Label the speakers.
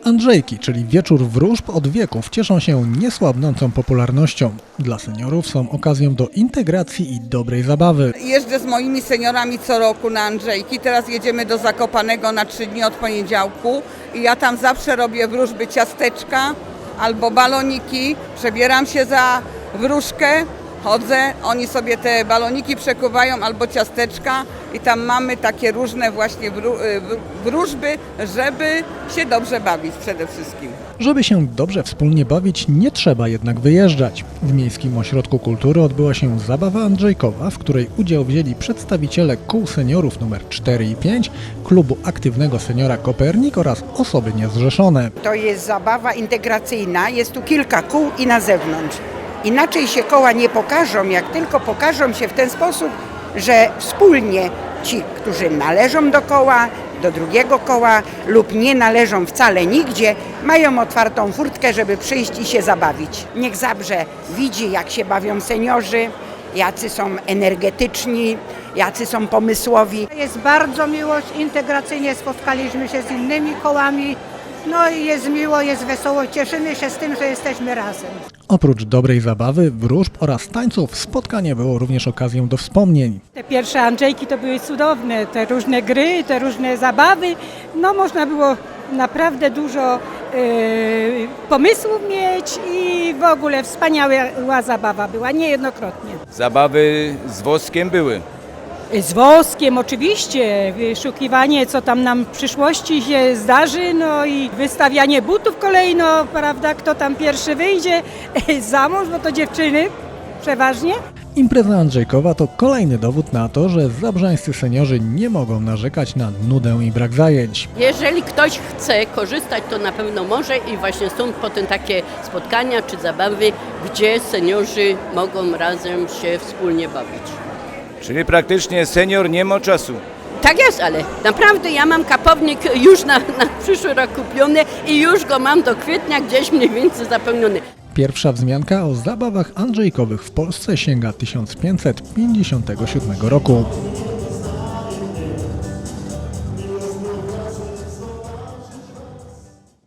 Speaker 1: Andrzejki, czyli wieczór wróżb od wieków, cieszą się niesłabnącą popularnością. Dla seniorów są okazją do integracji i dobrej zabawy.
Speaker 2: Jeżdżę z moimi seniorami co roku na Andrzejki. Teraz jedziemy do Zakopanego na 3 dni od poniedziałku i ja tam zawsze robię wróżby ciasteczka albo baloniki. Przebieram się za wróżkę, chodzę, oni sobie te baloniki przekuwają albo ciasteczka i tam mamy takie różne właśnie wróżby, żeby się dobrze bawić przede wszystkim.
Speaker 1: Żeby się dobrze wspólnie bawić, nie trzeba jednak wyjeżdżać. W Miejskim Ośrodku Kultury odbyła się zabawa andrzejkowa, w której udział wzięli przedstawiciele kół seniorów nr 4 i 5, klubu aktywnego seniora Kopernik oraz osoby niezrzeszone.
Speaker 3: To jest zabawa integracyjna, jest tu kilka kół i na zewnątrz. Inaczej się koła nie pokażą, jak tylko pokażą się w ten sposób, że wspólnie ci, którzy należą do koła, do drugiego koła lub nie należą wcale nigdzie, mają otwartą furtkę, żeby przyjść i się zabawić. Niech Zabrze widzi, jak się bawią seniorzy, jacy są energetyczni, jacy są pomysłowi.
Speaker 4: Jest bardzo miło, integracyjnie spotkaliśmy się z innymi kołami. No i jest miło, jest wesoło, cieszymy się z tym, że jesteśmy razem.
Speaker 1: Oprócz dobrej zabawy, wróżb oraz tańców, spotkanie było również okazją do wspomnień.
Speaker 5: Te pierwsze Andrzejki to były cudowne, te różne gry, te różne zabawy. No można było naprawdę dużo pomysłów mieć i w ogóle wspaniała zabawa była, niejednokrotnie.
Speaker 6: Zabawy z woskiem były.
Speaker 5: Z woskiem oczywiście, wyszukiwanie co tam nam w przyszłości się zdarzy, no i wystawianie butów kolejno, prawda, kto tam pierwszy wyjdzie za mąż, bo to dziewczyny przeważnie.
Speaker 1: Impreza andrzejkowa to kolejny dowód na to, że zabrzańscy seniorzy nie mogą narzekać na nudę i brak zajęć.
Speaker 7: Jeżeli ktoś chce korzystać, to na pewno może i właśnie stąd potem takie spotkania czy zabawy, gdzie seniorzy mogą razem się wspólnie bawić.
Speaker 6: Czyli praktycznie senior nie ma czasu.
Speaker 7: Tak jest, ale naprawdę ja mam kapownik już na przyszły rok kupiony i już go mam do kwietnia gdzieś mniej więcej zapełniony.
Speaker 1: Pierwsza wzmianka o zabawach andrzejkowych w Polsce sięga 1557 roku.